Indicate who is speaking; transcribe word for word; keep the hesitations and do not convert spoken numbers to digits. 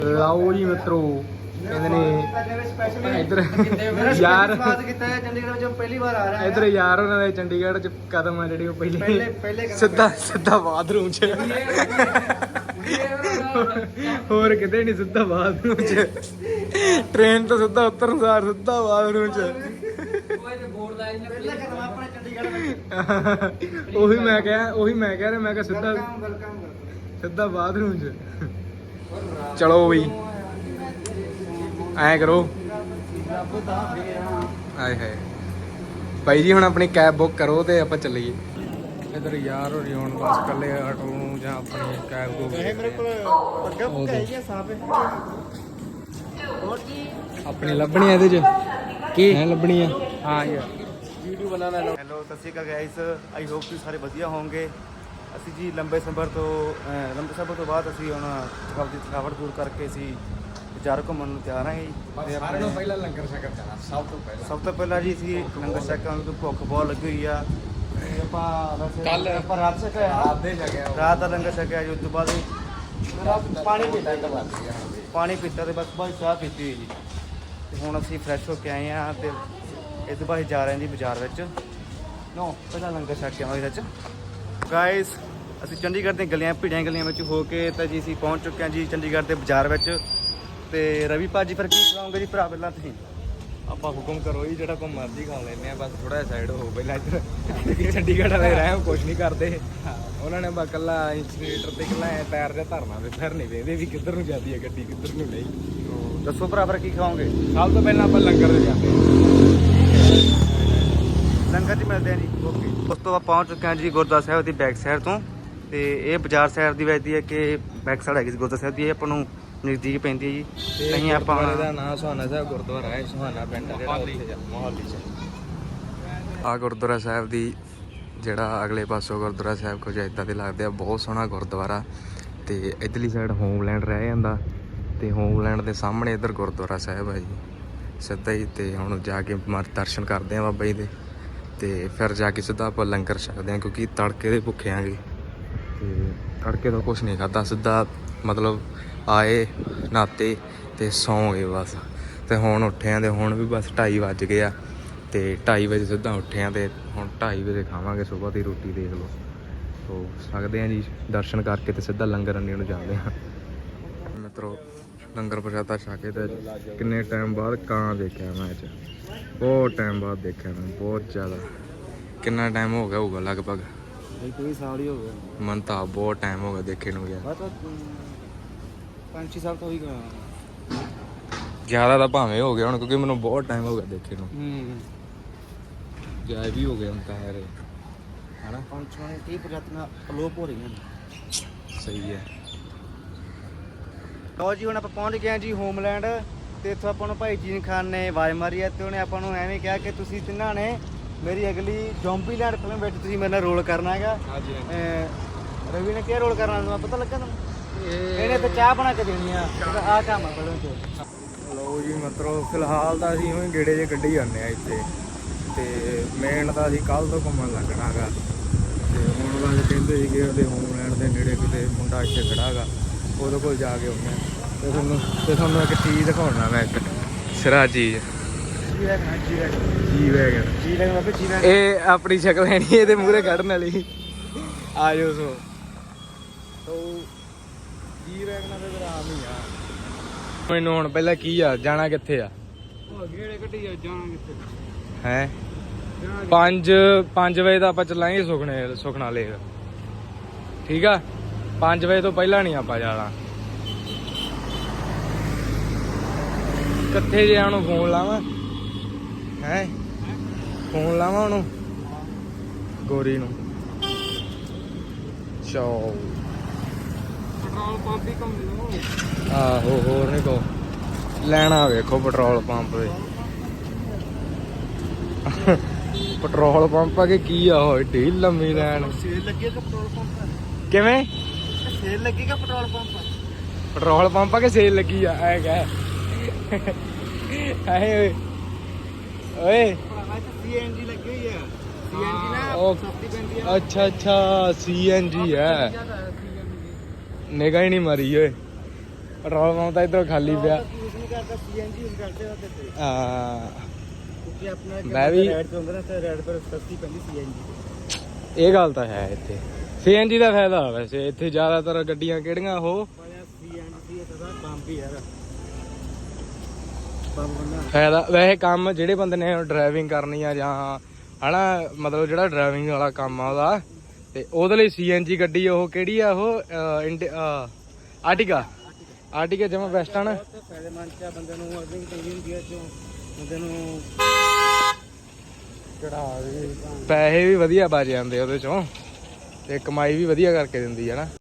Speaker 1: ਲਾਓ ਜੀ ਮਿੱਤਰੋ ਕਹਿੰਦੇ ਨੇ ਇੱਧਰ ਯਾਰ
Speaker 2: ਚੰਡੀਗੜ੍ਹ ਵਿੱਚ ਪਹਿਲੀ ਵਾਰ ਆ ਰਿਹਾ
Speaker 1: ਇੱਧਰ ਯਾਰ ਉਹਨਾਂ ਦੇ ਚੰਡੀਗੜ੍ਹ ਚ ਕਦਮ ਆ ਜਿਹੜੀ ਉਹ ਪਹਿਲੇ ਸਿੱਧਾ ਸਿੱਧਾ ਬਾਥਰੂਮ ਚ ਹੋਰ ਕਿਤੇ ਨਹੀਂ ਸਿੱਧਾ ਬਾਥਰੂਮ ਚ ਟ੍ਰੇਨ ਤੋਂ ਸਿੱਧਾ ਉਤਰਨ ਸਾਰ ਸਿੱਧਾ ਬਾਥਰੂਮ ਚ ਉਹੀ ਮੈਂ ਕਿਹਾ ਉਹੀ ਮੈਂ ਕਹਿ ਰਿਹਾ ਮੈਂ ਕਿਹਾ ਸਿੱਧਾ ਸਿੱਧਾ ਬਾਥਰੂਮ ਚ ਚਲੋ ਬਈ ਐ ਕਰੋ ਆਏ ਹਾਏ ਭਾਈ ਜੀ ਹੁਣ ਆਪਣੀ ਕੈਬ ਬੁੱਕ ਕਰੋ ਤੇ ਆਪਾਂ ਚੱਲੀਏ ਇਧਰ ਯਾਰ ਹੋਰੀ ਹੁਣ ਬਸ ਇਕੱਲੇ ਆਟੋ ਨੂੰ ਜਾਂ ਆਪਣੀ ਕੈਬ ਨੂੰ
Speaker 2: ਮੇਰੇ ਕੋਲ ਪੱਗਾ ਬੁੱਕ ਹੈਗੀ ਸਾਫ
Speaker 1: ਆਪਣੀ ਲੱਭਣੀ ਆ ਇਹਦੇ ਚ ਕੀ ਹੈ ਲੱਭਣੀ ਆ ਹਾਂ ਯਾਰ
Speaker 2: ਵੀਡੀਓ ਬਣਾਉਣਾ ਹੈਲੋ ਸਤਿ ਸ਼੍ਰੀ ਅਕਾਲ ਗਾਇਸ ਆਈ ਹੋਪ ਤੁਸੀਂ ਸਾਰੇ ਵਧੀਆ ਹੋਵੋਗੇ ਅਸੀਂ ਜੀ ਲੰਬੇ ਸਫ਼ਰ ਤੋਂ ਲੰਬੇ ਸਫ਼ਰ ਤੋਂ ਬਾਅਦ ਅਸੀਂ ਹੁਣ ਆਪਣੀ ਥਕਾਵਟ ਦੂਰ ਕਰਕੇ ਅਸੀਂ ਬਾਜ਼ਾਰ ਘੁੰਮਣ ਨੂੰ ਤਿਆਰ ਹਾਂ ਜੀ
Speaker 1: ਤੇ ਸਾਰਿਆਂ ਨੂੰ ਪਹਿਲਾਂ ਲੰਗਰ ਛਕਣ ਜਾਣਾ ਸਭ ਤੋਂ ਪਹਿਲਾਂ
Speaker 2: ਸਭ ਤੋਂ ਪਹਿਲਾਂ ਜੀ ਅਸੀਂ ਲੰਗਰ ਛਕਾਂਗੇ ਤੋਂ ਭੁੱਖ ਬਹੁਤ ਲੱਗੀ ਹੋਈ ਆ ਤੇ ਆਪਾਂ ਵੈਸੇ
Speaker 1: ਕੱਲ੍ਹ
Speaker 2: ਆਪਾਂ ਰਾਤ ਛਕਿਆ
Speaker 1: ਰਾਤ ਦੇ ਛਕਿਆ
Speaker 2: ਰਾਤ ਦਾ ਲੰਗਰ ਛਕਿਆ ਜੀ ਉਸ ਤੋਂ ਬਾਅਦ ਪਾਣੀ ਪੀਤਾ ਇੱਕ ਵਾਰ ਪਾਣੀ ਪੀਤਾ ਤੇ ਬਸ ਬਾਅਦ ਚਾਹ ਪੀਤੀ ਹੋਈ ਜੀ ਤੇ ਹੁਣ ਅਸੀਂ ਫਰੈਸ਼ ਹੋ ਕੇ ਆਏ ਹਾਂ ਤੇ ਇਸ ਤੋਂ ਬਾਅਦ ਜਾ ਰਹੇ ਹਾਂ ਜੀ ਬਾਜ਼ਾਰ ਵਿੱਚ ਨੋ ਪਹਿਲਾਂ ਲੰਗਰ ਛਕ ਕੇ ਆਵਾਂਗੇ ਵਿੱਚ ਗਾਇਸ ਅਸੀਂ ਚੰਡੀਗੜ੍ਹ ਦੀਆਂ ਗਲੀਆਂ ਭੀੜੀਆਂ ਗਲੀਆਂ ਵਿੱਚ ਹੋ ਕੇ ਤਾਂ ਜੀ ਅਸੀਂ ਪਹੁੰਚ ਚੁੱਕੇ ਹਾਂ ਜੀ ਚੰਡੀਗੜ੍ਹ ਦੇ ਬਾਜ਼ਾਰ ਵਿੱਚ ਤੇ ਰਵੀ ਭਾਜੀ ਫਿਰ ਕੀ ਖਿਲਾਉਂਗੇ ਜੀ ਭਰਾ ਪਹਿਲਾਂ ਤੁਸੀਂ
Speaker 1: ਆਪਾਂ ਹੁਕਮ ਕਰੋ ਜੀ ਜਿਹੜਾ ਕੋ ਮਰਜ਼ੀ ਖਾ ਲੈਂਦੇ ਆ ਬਸ ਥੋੜਾ ਜਿਹਾ ਸਾਈਡ ਹੋ ਪਹਿਲਾਂ ਇੱਧਰ ਚੰਡੀਗੜ੍ਹ ਵਾਲੇ ਰਹਿ ਕੁਛ ਨਹੀਂ ਕਰਦੇ ਉਹਨਾਂ ਨੇ ਬਸ ਇਕੱਲਾ ਇੰਸਟੀਨੇਟਰ ਤੇ ਇਕੱਲਾ ਟਾਇਰ ਜਿਹਾ ਧਰਨਾ ਤੇ ਫਿਰ ਨਹੀਂ ਵੇਖਦੇ ਵੀ ਕਿੱਧਰ ਨੂੰ ਜਾਂਦੀ ਹੈ ਗੱਡੀ ਕਿੱਧਰ ਨੂੰ ਨਹੀਂ
Speaker 2: ਦੱਸੋ ਭਰਾ ਫਿਰ ਕੀ ਖਾਓਗੇ
Speaker 1: ਸਭ ਤੋਂ ਪਹਿਲਾਂ ਆਪਾਂ ਲੰਗਰ ਤੇ ਜਾਂਦੇ
Speaker 2: ਲੰਗਰ 'ਚ ਮਿਲਦੇ ਆ ਜੀ ਓਕੇ ਉਸ ਤੋਂ ਬਾਅਦ ਪਹੁੰਚ ਚੁੱਕੇ ਹਾਂ ਜੀ ਗੁਰਦੁਆਰਾ ਸਾਹਿਬ ਦੀ ਬੈਕ ਸਾਈਡ ਤੋਂ ਤੇ ਇਹ ਬਾਜ਼ਾਰ ਸਾਈਡ ਦੀ ਵੱਜਦੀ ਹੈ ਕਿ ਬੈਕ ਸਾਈਡ ਹੈਗੀ ਗੁਰਦੁਆਰਾ ਸਾਹਿਬ ਦੀ ਇਹ ਆਪਾਂ ਨੂੰ ਨਜ਼ਦੀਕ ਪੈਂਦੀ ਹੈ ਜੀ ਨਹੀਂ ਆਪਾਂ
Speaker 1: ਦਾ ਨਾਮ ਸੁਹਾਨਾ ਸਾਹਿਬ ਗੁਰਦੁਆਰਾ ਹੈ ਸੁਹਾਨਾ ਪਿੰਡ ਜਿਹੜਾ ਉੱਥੇ ਮੋਹਾਲੀ ਚ ਆ ਗੁਰਦੁਆਰਾ ਸਾਹਿਬ ਦੀ ਜਿਹੜਾ ਅਗਲੇ ਪਾਸੋਂ ਗੁਰਦੁਆਰਾ ਸਾਹਿਬ ਕੁਝ ਇੱਦਾਂ ਦੇ ਲੱਗਦੇ ਆ ਬਹੁਤ ਸੋਹਣਾ ਗੁਰਦੁਆਰਾ ਤੇ ਇੱਧਰਲੀ ਸਾਈਡ ਹੋਮਲੈਂਡ ਰਹਿ ਜਾਂਦਾ ਤੇ ਹੋਮਲੈਂਡ ਦੇ ਸਾਹਮਣੇ ਇੱਧਰ ਗੁਰਦੁਆਰਾ ਸਾਹਿਬ ਹੈ ਜੀ ਸਿੱਧਾ ਹੀ ਤੇ ਹੁਣ ਜਾ ਕੇ ਮਰ ਦਰਸ਼ਨ ਕਰਦੇ ਆ ਬਾਬਾ ਜੀ ਦੇ ਤੇ ਫਿਰ ਜਾ ਕੇ ਸਿੱਧਾ ਆਪਾਂ ਲੰਗਰ ਛਕਦੇ ਹਾਂ ਕਿਉਂਕਿ ਤੜਕੇ ਦੇ ਭੁੱਖੇ ਆਂਗੇ ਤੇ ਤੜਕੇ ਤੋਂ ਕੁਛ ਨਹੀਂ ਖਾਧਾ ਸਿੱਧਾ ਮਤਲਬ ਆਏ ਨਾਤੇ ਤੇ ਸੌਂ ਗਏ ਬਸ ਤੇ ਹੁਣ ਉੱਠੇ ਆਂ ਤੇ ਹੁਣ ਵੀ ਬਸ ਢਾਈ ਵੱਜ ਗਏ ਆ ਤੇ ਢਾਈ ਵਜੇ ਸਿੱਧਾ ਉੱਠੇ ਆਂ ਤੇ ਹੁਣ ਢਾਈ ਵਜੇ ਖਾਵਾਂਗੇ ਸਵੇਰ ਦੀ ਰੋਟੀ ਦੇਖ ਲਓ ਸੋ ਸਕਦੇ ਆ ਜੀ ਦਰਸ਼ਨ ਕਰਕੇ ਤੇ ਸਿੱਧਾ ਲੰਗਰ ਅੰਨੀ ਨੂੰ ਜਾਂਦੇ ਹਾਂ ਮਿੱਤਰੋ ਲੰਗਰ ਪ੍ਰਸ਼ਾਦਾ ਛਕ ਕੇ ਤੇ ਕਿੰਨੇ ਟਾਈਮ ਬਾਅਦ ਕਾਂ ਦੇਖਿਆ ਮੈਂ ਅੱਜ ਬਹੁਤ ਟਾਈਮ ਬਾਅਦ ਦੇਖਿਆ ਮੈਂ ਬਹੁਤ ਜ਼ਿਆਦਾ ਕਿੰਨਾ ਟਾਈਮ ਹੋ ਗਿਆ ਹੋਊਗਾ ਲਗਭਗ
Speaker 2: ਕੋਈ ਸਾਲ ਹੀ ਹੋ ਗਿਆ
Speaker 1: ਮਨ ਤਾਂ ਬਹੁਤ ਟਾਈਮ ਹੋ ਗਿਆ ਦੇਖੇ ਨੂੰ ਗਿਆ
Speaker 2: ਪੰਜ ਛੇ ਸਾਲ ਤੋਂ ਹੀ ਗਿਆ
Speaker 1: ਜ਼ਿਆਦਾ ਤਾਂ ਭਾਵੇਂ ਹੋ ਗਿਆ ਹੁਣ ਕਿਉਂਕਿ ਮੈਨੂੰ ਬਹੁਤ ਟਾਈਮ ਹੋ ਗਿਆ ਦੇਖੇ ਨੂੰ
Speaker 2: ਹੂੰ
Speaker 1: ਜਾਇ ਵੀ ਹੋ ਗਿਆ ਹੁਣ ਤਾਂ ਯਾਰ ਹਨਾ
Speaker 2: ਪੰਜ ਛੇ ਤੀਹ ਪ੍ਰਜਾਤੀਆਂ ਅਲੋਪ ਹੋ ਰਹੀਆਂ ਨੇ
Speaker 1: ਸਹੀ ਹੈ
Speaker 2: ਲਓ ਜੀ ਹੁਣ ਆਪਾਂ ਪਹੁੰਚ ਗਏ ਹਾਂ ਜੀ ਹੋਮਲੈਂਡ ਤੇ ਇੱਥੋਂ ਆਪਾਂ ਨੂੰ ਭਾਈ ਜੀਨ ਖਾਨ ਨੇ ਆਵਾਜ਼ ਮਾਰੀ ਹੈ ਤੇ ਉਹਨੇ ਆਪਾਂ ਨੂੰ ਐਵੇਂ ਕਿਹਾ ਕਿ ਤੁਸੀਂ ਤਿੰਨਾਂ ਨੇ ਮੇਰੀ ਅਗਲੀ ਜ਼ੋਂਬੀਲੈਂਡ ਫਿਲਮ ਵਿੱਚ ਤੁਸੀਂ ਮੇਰੇ ਨਾਲ ਰੋਲ ਕਰਨਾ ਹੈਗਾ
Speaker 1: ਹਾਂਜੀ
Speaker 2: ਰਵੀ ਨੇ ਕਿਹੜਾ ਰੋਲ ਕਰਨਾ ਤੁਹਾਨੂੰ ਪਤਾ ਲੱਗਾ ਤੁਹਾਨੂੰ ਇਹਨੇ ਤਾਂ ਚਾਹ ਬਣਾ ਕੇ ਦੇਣੀ ਆ ਆਹ ਕੰਮ ਆ ਫਿਲਮ 'ਚ
Speaker 1: ਲਓ ਜੀ ਮਤਲਬ ਫਿਲਹਾਲ ਤਾਂ ਅਸੀਂ ਉਹੀ ਗੇੜੇ ਜੇ ਕੱਢੀ ਜਾਂਦੇ ਆ ਇੱਥੇ ਤੇ ਮੇਨ ਤਾਂ ਅਸੀਂ ਕੱਲ੍ਹ ਤੋਂ ਘੁੰਮਣ ਲੱਗਣਾ ਹੈਗਾ ਤੇ ਹੁਣ ਬਸ ਕਹਿੰਦੇ ਸੀਗੇ ਉਹਦੇ ਹੋਮਲੈਂਡ ਦੇ ਨੇੜੇ ਕਿਤੇ ਮੁੰਡਾ ਇੱਥੇ ਖੜਾ ਹੈਗਾ ਉਹਦੇ ਕੋਲ ਜਾ ਕੇ ਆਉਂਦੇ ਤੇ ਤੁਹਾਨੂੰ ਤੇ ਤੁਹਾਨੂੰ ਇੱਕ ਚੀਜ਼ ਦਿਖਾਉਣਾ ਮੈਂ ਇੱਕ ਸਿਰਾ ਚੀਜ਼
Speaker 2: G wagon G wagon
Speaker 1: G wagon
Speaker 2: G wagon ਬਾਬੇ ਜੀ ਵੈਗਨ
Speaker 1: ਇਹ ਆਪਣੀ ਸ਼ਕਲ ਹੈ ਨਹੀਂ ਇਹਦੇ ਮੂਹਰੇ ਕੱਢਣ ਵਾਲੀ ਆ ਜਾਓ ਸੋ ਤੋ ਜੀ ਵੈਗਨਾਂ ਦੇ ਫਿਰ ਆਮ ਹੀ ਆ ਮੈਨੂੰ ਹੁਣ ਪਹਿਲਾਂ ਕੀ ਆ ਜਾਣਾ ਕਿੱਥੇ ਆ
Speaker 2: ਉਹ ਗੇੜੇ ਕੱਢੀ ਆ ਜਾਣਾ ਕਿੱਥੇ
Speaker 1: ਹੈ ਪੰਜ ਪੰਜ ਵਜੇ ਦਾ ਆਪਾਂ ਚੱਲਾਂਗੇ ਸੁਖਨੇ ਸੁਖਨਾ ਲੇਕ ਠੀਕ ਆ ਪੰਜ ਵਜੇ ਤੋਂ ਪਹਿਲਾਂ ਨਹੀਂ ਆਪਾਂ ਜਾਣਾ ਕਿੱਥੇ ਜੇ ਉਹਨੂੰ ਫੋਨ ਲਾਵਾਂ ਹੈ ਫੋਨ ਲਾਵਾਂ ਉਹਨੂੰ ਗੋਰੀ ਨੂੰ ਚੋ
Speaker 2: ਪੈਟਰੋਲ ਪੰਪ ਹੀ ਕੰਮ ਲੋ
Speaker 1: ਆਹੋ ਹੋਰ ਨਹੀਂ ਕੋ ਲੈਣਾ ਵੇਖੋ ਪੈਟਰੋਲ ਪੰਪ ਦੇ ਪੈਟਰੋਲ ਪੰਪ ਆ ਕਿ ਕੀ ਆ ਉਹ ਢੀ ਲੰਮੀ ਲੈਣ
Speaker 2: ਸੇਲ ਲੱਗੀ ਕਿ ਪੈਟਰੋਲ ਪੰਪ
Speaker 1: ਕਿਵੇਂ
Speaker 2: ਸੇਲ ਲੱਗੀ ਕਿ ਪੈਟਰੋਲ ਪੰਪ
Speaker 1: ਪੈਟਰੋਲ ਪੰਪ ਆ ਕਿ ਸੇਲ ਲੱਗੀ ਆ ਐ ਕਹਿ ਹਾਏ ਓਏ ਓਏ
Speaker 2: ਸੀਐਨਜੀ ਲੱਗੀ ਹੋਈ ਆ ਸੀਐਨਜੀ ਨਾ
Speaker 1: ਉਹ
Speaker 2: ਸਸਤੀ ਪੈਂਦੀ ਆ
Speaker 1: ਅੱਛਾ ਅੱਛਾ ਸੀਐਨਜੀ ਹੈ ਨਿਗਾਹ ਹੀ ਨਹੀਂ ਮਾਰੀ ਓਏ ਪੈਟਰੋਲ ਪੰਪ ਤਾਂ ਇੱਧਰੋਂ ਖਾਲੀ ਪਿਆ
Speaker 2: ਯੂਜ਼ ਨਹੀਂ ਕਰਦਾ ਸੀਐਨਜੀ ਯੂਜ਼ ਕਰਦੇ ਆ ਤੇ
Speaker 1: ਹਾਂ
Speaker 2: ਕਿਉਂਕਿ ਆਪਣਾ
Speaker 1: ਮੈਂ ਵੀ-
Speaker 2: ਰੈਡ ਚ ਹੁੰਦਾ ਨਾ ਤੇ ਰੈਡ ਪਰ ਸਸਤੀ ਪੈਂਦੀ ਸੀਐਨਜੀ
Speaker 1: ਇਹ ਗੱਲ ਤਾਂ ਹੈ ਇੱਥੇ ਸੀਐਨਜੀ ਦਾ ਫਾਇਦਾ ਵੈਸੇ ਇੱਥੇ ਜ਼ਿਆਦਾਤਰ ਗੱਡੀਆਂ ਕਿਹੜੀਆਂ ਉਹ
Speaker 2: ਪਾਇਆ ਸੀਐਨਜੀ ਇਹ ਤਾਂ ਬੰਬ ਹੀ ਯਾਰ ਬੰਬ ਬੰਦਾ
Speaker 1: ਫਾਇਦਾ ਵੈਸੇ ਕੰਮ ਜਿਹੜੇ ਬੰਦੇ ਨੇ ਡਰਾਈਵਿੰਗ ਕਰਨੀ ਆ ਜਾਂ ਹਨਾ ਮਤਲਬ ਜਿਹੜਾ ਡਰਾਈਵਿੰਗ ਵਾਲਾ ਕੰਮ ਆ ਉਹਦਾ ਤੇ ਉਹਦੇ ਲਈ ਸੀਐਨਜੀ ਗੱਡੀ ਉਹ ਕਿਹੜੀ ਆ ਉਹ ਅਹ, ਇੰਡੀ ਅਹ, ਆਰਟਿਕਾ ਆਰਟਿਕਾ ਜਮਾ ਬੈਸਟ ਆ ਨਾ
Speaker 2: ਬਹੁਤ ਫਾਇਦੇਮੰਦ ਆ ਬੰਦੇ ਨੂੰ ਅਰਨਿੰਗ ਟੀਵੀ ਗੇਅਰ ਚੋਂ ਬੰਦੇ ਨੂੰ
Speaker 1: ਚੜਾ ਪੈਸੇ ਵੀ ਵਧੀਆ ਬਚ ਜਾਂਦੇ ਉਹਦੇ ਚੋਂ ਤੇ ਕਮਾਈ ਵੀ ਵਧੀਆ ਕਰਕੇ ਦਿੰਦੀ ਹੈ ਨਾ